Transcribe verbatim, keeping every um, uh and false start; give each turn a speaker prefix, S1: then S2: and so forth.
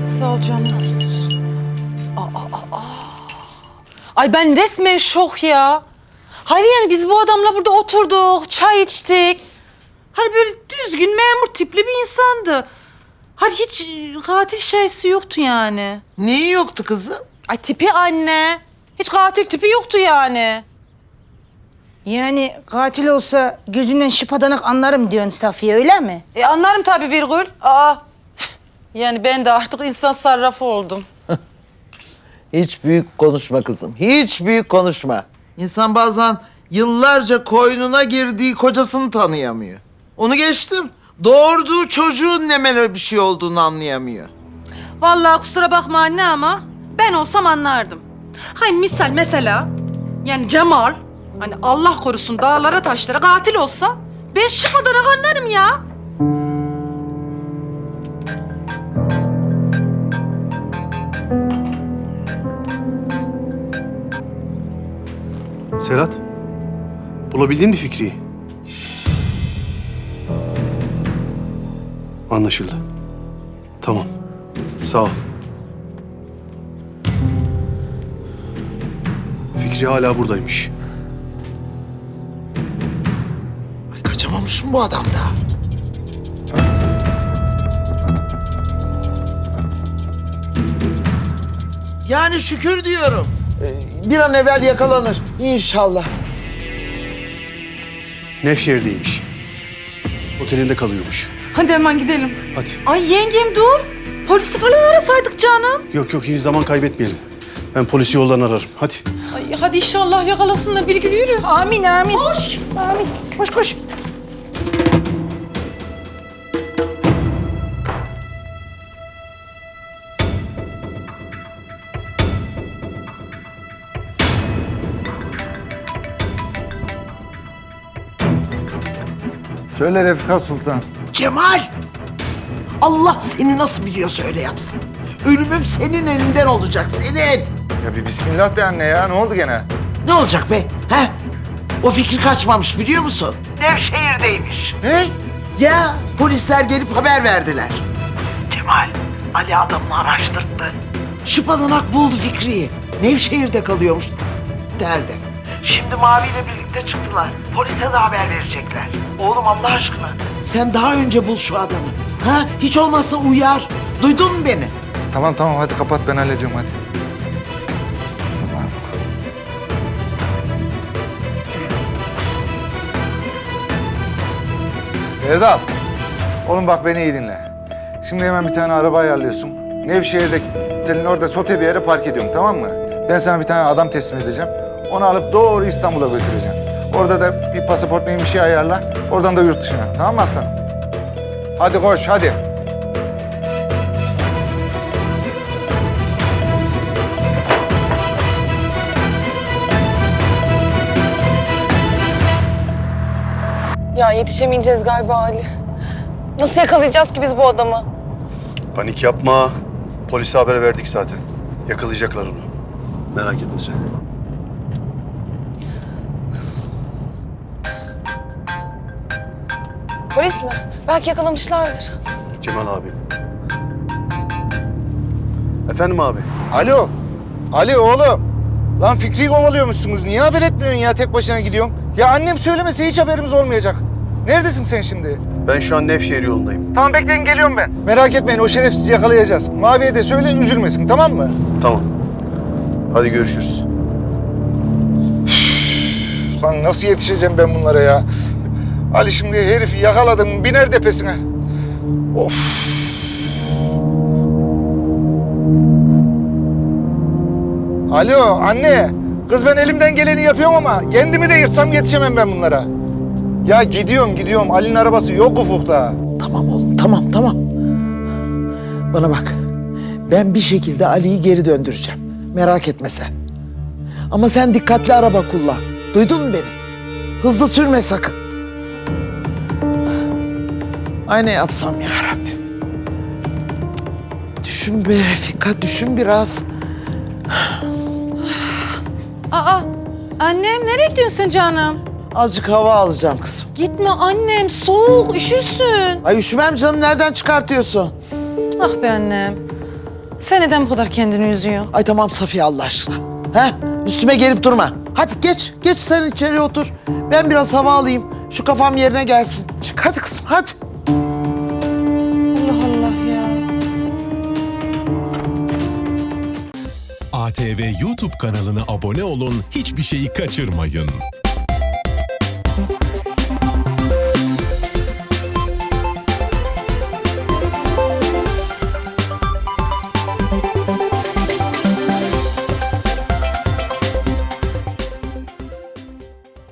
S1: Sağ ol canım. Aa, aa, aa. Ay ben resmen şok ya. Hayır yani biz bu adamla burada oturduk, çay içtik. Hani böyle düzgün, memur tipli bir insandı. Hani hiç e, katil şeysi yoktu yani.
S2: Neyi yoktu kızım?
S1: Ay tipi anne. Hiç katil tipi yoktu yani.
S3: Yani katil olsa gözünden şıpadanak anlarım diyorsun Safiye, öyle mi?
S1: E anlarım tabii Birgül. Aa. Yani ben de artık insan sarrafı oldum.
S4: Hiç büyük konuşma kızım. Hiç büyük konuşma.
S2: İnsan bazen yıllarca koynuna girdiği kocasını tanıyamıyor. Onu geçtim. Doğurduğu çocuğun ne böyle bir şey olduğunu anlayamıyor.
S1: Vallahi kusura bakma anne ama ben olsam anlardım. Hani misal mesela yani Cemal hani Allah korusun dağlara taşlara katil olsa ben şıpadanak anlarım ya.
S5: Serhat, bulabildin mi Fikri'yi? Anlaşıldı. Tamam, sağ ol. Fikri hala buradaymış.
S2: Ay kaçamamış mı bu adam da? Yani şükür diyorum. Ee, bir an evvel yakalanır inşallah.
S5: Nevşehir'deymiş. Otelinde kalıyormuş.
S1: Hadi hemen gidelim.
S5: Hadi.
S1: Ay yengem dur. Polisi falan arasaydık canım.
S5: Yok yok, hiç zaman kaybetmeyelim. Ben polisi yoldan ararım. Hadi.
S1: Ay hadi inşallah yakalasınlar. Bir gibi yürü.
S3: Amin amin. Koş. Amin. Koş koş.
S4: Söyle Refika Sultan.
S2: Cemal! Allah seni nasıl biliyorsa öyle yapsın. Ölümüm senin elinden olacak, senin.
S6: Ya bir bismillah de anne ya. Ne oldu gene?
S2: Ne olacak be? He? O Fikri kaçmamış biliyor musun? Nevşehir'deymiş.
S6: Ne?
S2: Ya polisler gelip haber verdiler. Cemal, Ali adamını araştırdı. Şıpadanak buldu Fikri'yi. Nevşehir'de kalıyormuş. Derdi. Şimdi Mavi ile birlikte çıktılar. Polise de haber verecekler. Oğlum Allah aşkına. Sen daha önce bul şu adamı. Ha? Hiç olmazsa uyar. Duydun mu beni?
S6: Tamam tamam hadi kapat, ben hallediyorum hadi. Tamam. Erdal. Oğlum bak beni iyi dinle. Şimdi hemen bir tane araba ayarlıyorsun. Nevşehir'deki otelin orada sote bir yere park ediyorum, tamam mı? Ben sana bir tane adam teslim edeceğim. Onu alıp doğru İstanbul'a götüreceğim. Orada da bir pasaport neyim bir şey ayarla. Oradan da yurt dışına. Tamam mı aslanım? Hadi koş hadi.
S7: Ya yetişemeyeceğiz galiba Ali. Nasıl yakalayacağız ki biz bu adamı?
S5: Panik yapma. Polise haber verdik zaten. Yakalayacaklar onu. Merak etme sen.
S7: Polis mi? Belki yakalamışlardır.
S5: Cemal abi. Efendim abi?
S6: Alo. Ali oğlum. Lan Fikri'yi kovalıyormuşsunuz. Niye haber etmiyorsun ya, tek başına gidiyorsun? Ya annem söylemese hiç haberimiz olmayacak. Neredesin sen şimdi?
S5: Ben şu an Nevşehir yolundayım.
S6: Tamam bekleyin, geliyorum ben. Merak etmeyin, o şerefsizi yakalayacağız. Mavi'ye de söyle üzülmesin, tamam mı?
S5: Tamam. Hadi görüşürüz.
S6: Lan nasıl yetişeceğim ben bunlara ya? Ali şimdi herifi yakaladım, biner tepesine. Of. Alo anne. Kız ben elimden geleni yapıyorum ama kendimi de yırtsam yetişemem ben bunlara. Ya gidiyorum gidiyorum. Ali'nin arabası yok ufukta.
S2: Tamam oğlum, tamam, tamam. Bana bak, ben bir şekilde Ali'yi geri döndüreceğim. Merak etme sen. Ama sen dikkatli araba kullan. Duydun mu beni? Hızlı sürme sakın. Ay ne yapsam ya Rabbim. Düşün be Refika, düşün biraz.
S1: Aa annem nereye gidiyorsun sen canım?
S2: Azıcık hava alacağım kızım.
S1: Gitme annem soğuk üşürsün.
S2: Ay üşümem canım, nereden çıkartıyorsun?
S1: Ah be annem. Sen neden bu kadar kendini üzüyorsun?
S2: Ay tamam Safiye Allah aşkına. He? Üstüme gelip durma. Hadi geç, geç sen içeri otur. Ben biraz hava alayım. Şu kafam yerine gelsin. Çık hadi kızım hadi.
S1: Allah Allah ya.
S8: A T V YouTube kanalına abone olun, hiçbir şeyi kaçırmayın.